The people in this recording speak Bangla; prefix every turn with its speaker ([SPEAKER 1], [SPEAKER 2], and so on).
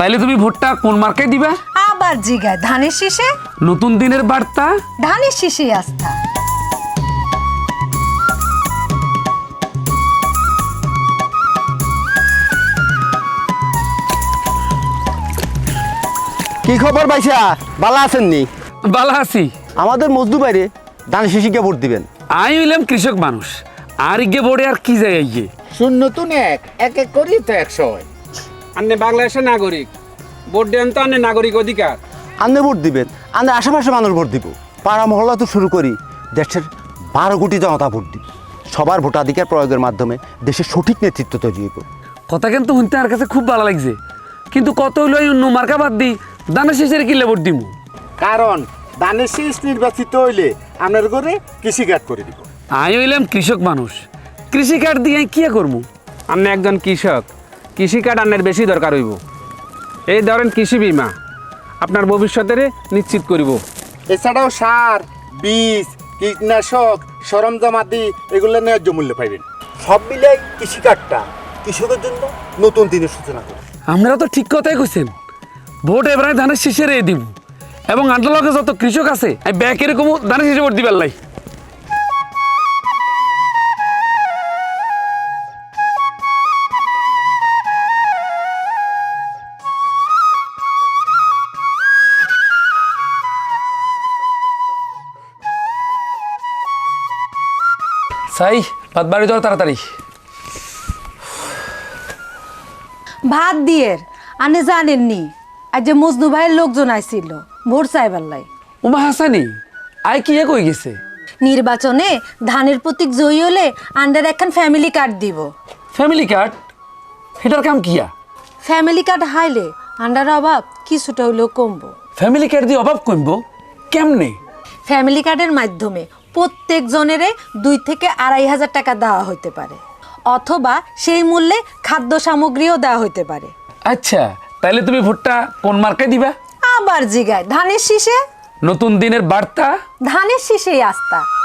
[SPEAKER 1] তাইলে তুমি ভোটটা কোন মার্কায় দিবা?
[SPEAKER 2] আবার জিগায় ধানের শীষে।
[SPEAKER 1] নতুন দিনের বার্তা,
[SPEAKER 2] ধানের শীষেই আস্থা।
[SPEAKER 3] কি খবর ভাইসা, ভালো আছেননি?
[SPEAKER 1] বালা আছি।
[SPEAKER 3] আমাদের মজদু বাইরে ধান শিশিকে ভোট দিবেন।
[SPEAKER 1] আমি হইলাম কৃষক মানুষ, আর ইগে বোর্ডে আর কি যায় ইয়ে।
[SPEAKER 4] শূন্য তো এক এক করি তো 100 হয়।
[SPEAKER 5] আপনি বাংলাদেশের নাগরিক, ভোট দেন তো আপনি নাগরিক অধিকার।
[SPEAKER 3] আন্নে ভোট দিবেন, আন্নে আশেপাশে মানুষ ভোট দিব। পাড়া মহল্লা তো শুরু করি, দেশের 12 কোটি জনতা ভোট দিব। সবার ভোটাধিকার প্রয়োগের মাধ্যমে দেশের সঠিক নেতৃত্ব তৈরি হইব।
[SPEAKER 1] কথা কিন্তু শুনতে আর কাছে খুব ভালো লাগছে, কিন্তু কত হইলো এই অন্য মার্কা বাদ দিই ধানের শেষের কিলে ভোট দিমু।
[SPEAKER 4] কারণ ধানের শীষ নির্বাচিত হইলে আপনার ঘরে কৃষিকাজ করে দিব।
[SPEAKER 1] আমি হইলাম কৃষক মানুষ, কৃষি কার্ড দিয়ে কি করবো?
[SPEAKER 5] আপনি একজন কৃষক, কৃষি কার্ড আপনার বেশি দরকার হইব। এই ধরেন কৃষি বীমা, আপনার ভবিষ্যতের নিশ্চিত করিব।
[SPEAKER 4] এছাড়াও সার, বীজ, কীটনাশক, সরঞ্জামাদি এগুলো ন্যায্য মূল্য পাইবেন। সব মিলাই কৃষিকাজটা কৃষকের জন্য নতুন দিনের সূচনা করে।
[SPEAKER 1] আপনারা তো ঠিক কথাই কইছেন, ভোট এবারে ধানের শীষের দিব, এবং আন্ডালকে যত কৃষক আছে আমি ব্যাক এরকম ধানের শীষে ভোট দিবার লাই। সাই ভাত বাড়ি যাও তাড়াতাড়ি।
[SPEAKER 2] ভাত দিয়ের আনে জানেননি, আজ যে মজনু ভাইয়ের লোকজন আইছিল ভোট চাইবার লাই।
[SPEAKER 1] উমা হাসানি আই কি কই গেছে?
[SPEAKER 2] নির্বাচনে ধানের প্রতীক জয়ী হলে আন্ডার একখান ফ্যামিলি কার্ড দিব।
[SPEAKER 1] ফ্যামিলি কার্ড, এটার কাম কিয়া?
[SPEAKER 2] ফ্যামিলি কার্ড হাইলে আন্ডার অভাব কিছুটা হইলেও কমবো।
[SPEAKER 1] ফ্যামিলি কার্ড দিয়ে অভাব কমবো কেমনে?
[SPEAKER 2] ফ্যামিলি কার্ডের মাধ্যমে প্রত্যেক জনেরে 2 থেকে 2,500 টাকা দেওয়া হইতে পারে, অথবা সেই মূল্যে খাদ্য সামগ্রীও দেওয়া হইতে পারে।
[SPEAKER 1] আচ্ছা, তাহলে তুমি ভোটটা কোন মার্কায় দিবা?
[SPEAKER 2] আবার জিগায় ধানের শীষে।
[SPEAKER 1] নতুন দিনের বার্তা,
[SPEAKER 2] ধানের শীষেই আস্থা।